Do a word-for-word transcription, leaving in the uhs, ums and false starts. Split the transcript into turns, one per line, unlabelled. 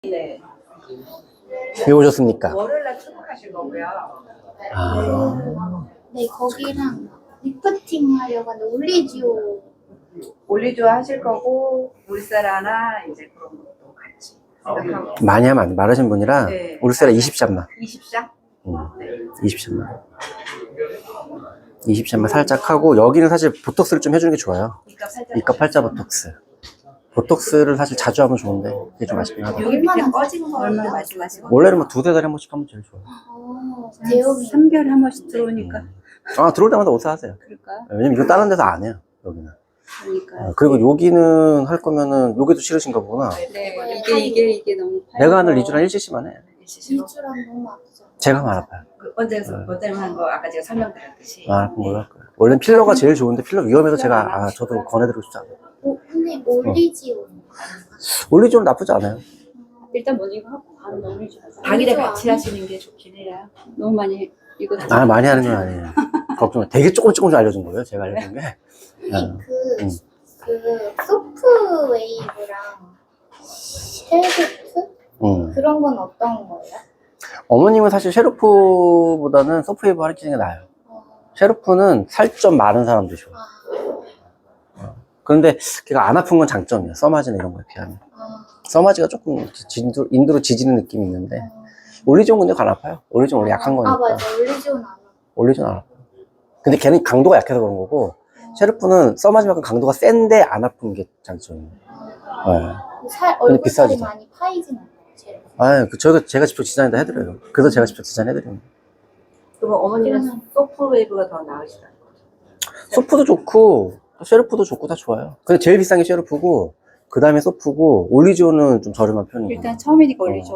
네.
왜 오셨습니까?
월요일날 출국하실 거고요.
아,
네, 거기랑 리프팅 하려고 하는데 올리지오.
올리조 하실 거고 울세라나 이제 그런 것도 같이 생각하고.
많이 하면 안 돼. 마르신 분이라
네.
울세라 이십 샷만.
이십 샷?
응.
네.
이십 샷만. 이십 샷만 살짝 하고, 여기는 사실 보톡스를 좀 해주는 게 좋아요.
이가 살짝.
이가 팔자 보톡스. 보톡스를 사실 자주 하면 좋은데 그게 좀 아쉽긴 하다.
여기 밑에 꺼진 거 얼마 말씀하시고.
원래는 뭐 두세 달에 한 번씩 하면 제일 좋아요.
어, 대여비.
삼 개월에 한 번씩 들어오니까.
아, 들어올 때마다 옷사 하세요.
그럴까?
왜냐면 이거 다른 데서 안 해요, 여기는.
그러니까.
아, 그리고 여기는 할 거면은 여기도 싫으신가 보구나.
네, 이게, 이게, 이게 너무.
내가 하는 리주랑 일 씨씨만 해.
일주랑 너무 아프죠.
제가 말 아파요.
그 언제
네.
원장님 한 거 아까 제가 설명드렸듯이.
말 아픈 걸로 할 거예요. 원래는 필러가 제일 좋은데 필러 위험해서 제가, 아, 저도 권해드리고 싶지 않아요.
오, 근데 올리지오.
올리지오는 나쁘지 않아요.
일단 먼저 이거 하고 바로 넘기지 마세요.
당일에 같이 하시는 게 좋긴 해요.
너무 많이, 이거.
아, 많이 하는 건 아니에요. 걱정. 되게 조금 조금씩 알려준 거예요. 제가 알려준 게.
근데 그,
음.
그 소프 웨이브랑 쉘베트?
음.
그런 건 어떤 거예요?
어머님은 사실 셰르프보다는 소프웨이브 하시는 게 나아요.
어,
셰르프는 살 좀 많은 사람들이 좋아.
아,
그런데 걔가 안 아픈 건 장점이에요. 써마지나 이런 거에 비하면.
아,
써마지가 조금 인도, 인도로 지지는 느낌이 있는데,
어.
올리존 근데 안 아파요. 올리존 원래 약한 거니까.
아, 맞아. 올리지오는 안 아파.
올리존 안 아파요. 근데 걔는 강도가 약해서 그런 거고, 셰르프는 써마지만큼 강도가 센데 안 아픈 게 장점이에요. 네.
살,
근데
얼굴살이
비싸지도.
많이 파이진 않아요. 제
아, 그, 저희가, 제가 직접 디자인도 해드려요. 그래서 제가 직접 디자인 해드려요.
그러면 어머니는 소프웨이브가 더 나으시다는 거죠?
소프도 좋고, 셰르프도 좋고 다 좋아요. 근데 제일 비싼 게 셰르프고, 그 다음에 소프고, 올리지오는 좀 저렴한 편이에요.
일단 처음이니까 올리죠.